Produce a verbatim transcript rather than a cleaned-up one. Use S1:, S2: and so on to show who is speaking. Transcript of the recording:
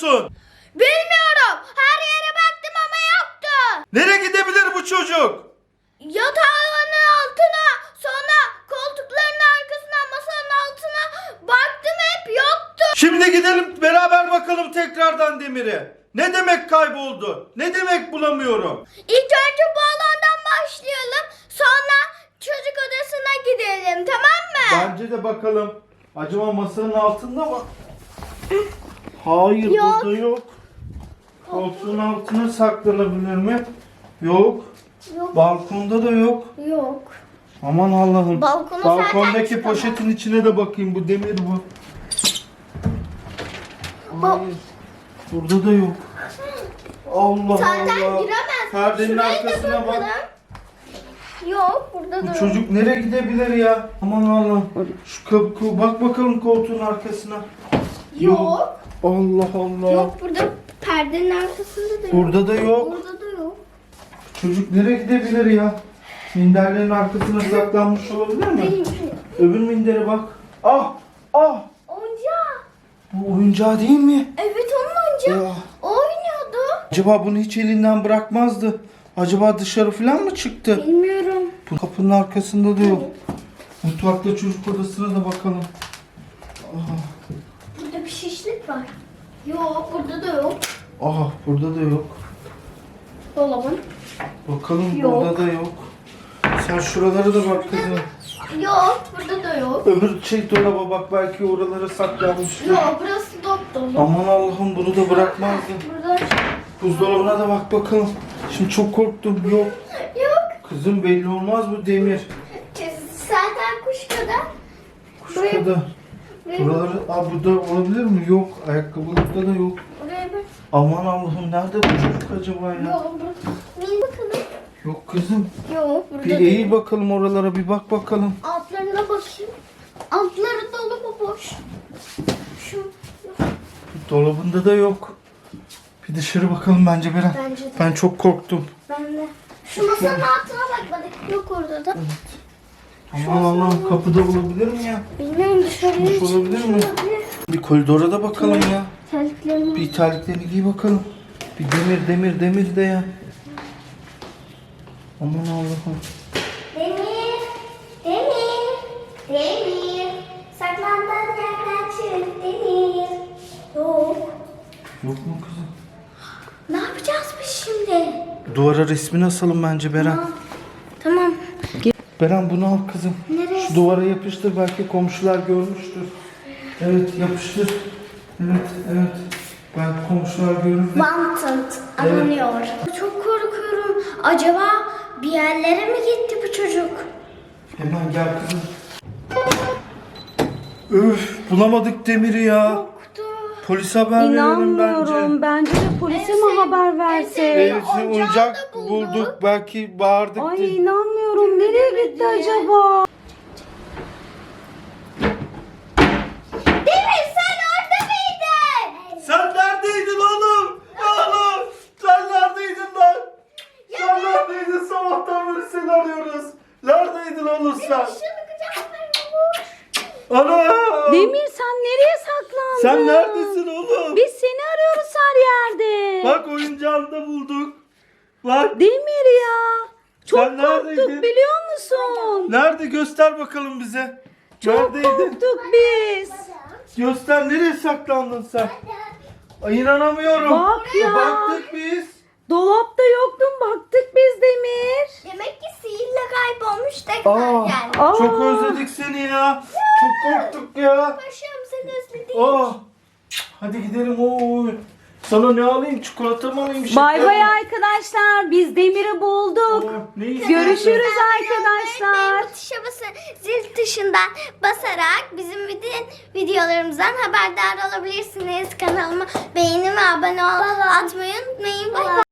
S1: musun?
S2: Bilmiyorum. Her yere baktım ama yoktu.
S1: Nereye gidebilir bu çocuk?
S2: Yatağın altına, sonra koltukların arkasına, masanın altına baktım, hep yoktu.
S1: Şimdi gidelim beraber bakalım tekrardan Demir'e. Ne demek kayboldu? Ne demek bulamıyorum?
S2: İlk önce bu alandan başlayalım. Sonra çocuk odasına gidelim, tamam mı?
S1: Bence de bakalım. Acaba masanın altında mı? Hayır,
S2: Yok.
S1: burada yok. Koltuğun altına saklanabilir mi? Yok.
S2: Yok.
S1: Balkonda da yok.
S2: Yok.
S1: Aman Allah'ım.
S2: Balkona zaten
S1: Balkondaki
S2: çıkamam.
S1: poşetin içine de bakayım. Bu Demir bu. Hayır. Burada da yok. Allah
S2: Zaten
S1: Allah.
S2: giremez.
S1: Perdenin
S2: Şuraya da
S1: arkasına bak.
S2: bakalım. Yok, burada da
S1: Bu
S2: yok.
S1: çocuk nereye gidebilir ya? Aman Allah'ım. Şu kapı, bak bakalım koltuğun arkasına.
S2: Yok.
S1: Allah Allah.
S2: Yok, burada perdenin arkasında da yok.
S1: Burada da yok.
S2: Burada da yok.
S1: Çocuk nereye gidebilir ya? Minderlerin arkasına saklanmış olabilir mi?
S2: Benim
S1: Öbür mindere bak. Ah! Ah!
S2: oyuncağı.
S1: Bu oyuncağı değil mi?
S2: Evet, onun oyuncağı.
S1: Ya.
S2: O oynuyordu.
S1: Acaba bunu hiç elinden bırakmazdı. Acaba dışarı falan mı çıktı?
S2: Bilmiyorum.
S1: Bu kapının arkasında da yok. Mutfakta çocuk odasına da bakalım. Aha.
S2: Burada bir şişlik var. Yok, burada da yok.
S1: Aha, burada da yok.
S2: Dolabın.
S1: Bakalım
S2: Yok.
S1: burada da yok. Sen şuralara da bak kızım.
S2: Yok, burada da yok.
S1: Öbür şey dolaba bak, belki oralara saklanmıştır.
S2: Yok, burası dop dolu.
S1: Aman Allah'ım, bunu da bırakmazdı.
S2: Burada
S1: Buzdolabına da bak bakalım. Şimdi çok korktum. Yok.
S2: yok.
S1: Kızım, belli olmaz bu Demir.
S2: Zaten kuş kadar.
S1: Kuşka da. Buraları, aa burada olabilir mi? Yok. Ayakkabılıkta da yok.
S2: Buraya bak.
S1: Aman Allah'ım, nerede bu çocuk acaba ya?
S2: Yok, burada. Bir bakalım.
S1: Yok kızım.
S2: Yok, burada
S1: Bir
S2: da
S1: eğil
S2: yok.
S1: bakalım oralara, bir bak bakalım.
S2: Altlarına bakayım. Altları dolu mu, boş? Şu.
S1: Dolabında da yok. Bir dışarı bakalım bence Beren.
S2: Bence de.
S1: Ben çok korktum.
S2: Ben de. Şu masanın altına bakmadık. Yok orada da.
S1: Aman Allah'ım, kapıda olabilir mi ya?
S2: Bilmiyorum, dışarıya
S1: Çıkmış olabilir mi?
S2: olabilir.
S1: Bir koridora da bakalım ya.
S2: Terliklerini.
S1: Bir terliklerini giy bakalım. Bir demir demir demir de ya. Aman Allah'ım.
S2: Demir. Demir. Demir. Saklandığın yerden çık Demir. Yok.
S1: Yok mu kızım?
S2: Ne yapacağız biz şimdi?
S1: Duvara resmini asalım bence Beren.
S2: Tamam. Tamam.
S1: Beren, bunu al kızım.
S2: Nereye?
S1: Şu duvara yapıştır, belki komşular görmüştür. Evet, yapıştır. Evet, evet. Belki komşular görür de.
S2: Wanted aranıyor. Çok korkuyorum. Acaba bir yerlere mi gitti bu çocuk?
S1: Hemen gel kızım. Öf, bulamadık Demir'i ya.
S2: Yoktu.
S1: Polise haber verelim
S3: İnanmıyorum.
S1: bence.
S3: Bence de polise mi haber versek?
S1: Evet,
S2: Oyuncağı
S1: oyuncak
S2: da bulduk.
S1: bulduk. Belki bağırdık.
S3: Ay
S1: diye.
S3: inanmıyorum. Nereye gitti acaba?
S2: Demir, sen orada mıydın?
S1: Sen neredeydin oğlum? Oğlum, sen neredeydin lan? Sen neredeydin? Sabahtan beri seni arıyoruz. Neredeydin oğlum sen?
S2: Şunu kucaklarına vur.
S1: Ana!
S3: Demir, sen nereye saklandın?
S1: Sen neredesin oğlum?
S3: Biz seni arıyoruz her yerde.
S1: Bak, oyuncağını da bulduk. Bak.
S3: Demir ya. Çok
S1: Sen neredeydin?
S3: korktuk biliyor musun?
S1: Nerede? Göster bakalım bize.
S3: Çok
S1: Neredeydin?
S3: korktuk biz.
S1: Göster, nereye saklandın sen? Ay, inanamıyorum.
S3: Bak ya.
S1: Baktık biz.
S3: Dolapta yoktun, baktık biz Demir.
S2: Demek ki sihirle kaybolmuş tekrar
S1: Aa,
S2: geldi.
S3: Aa.
S1: çok özledik seni ya. Çok korktuk ya.
S2: Paşam, seni özledim.
S1: Aa, hadi gidelim. Oo. Sana ne alayım? Çikolata mı alayım? şeker
S3: Bay
S1: mi?
S3: bay arkadaşlar. Biz Demir'i bulduk.
S1: Oo, ne istiyorsun?
S3: Görüşürüz
S2: Beğen
S3: arkadaşlar.
S2: bu tuşa basın. Zil tuşundan basarak bizim bütün videolarımızdan haberdar olabilirsiniz. Kanalıma beğeni ve abone ol atmayı unutmayın. Bay bay.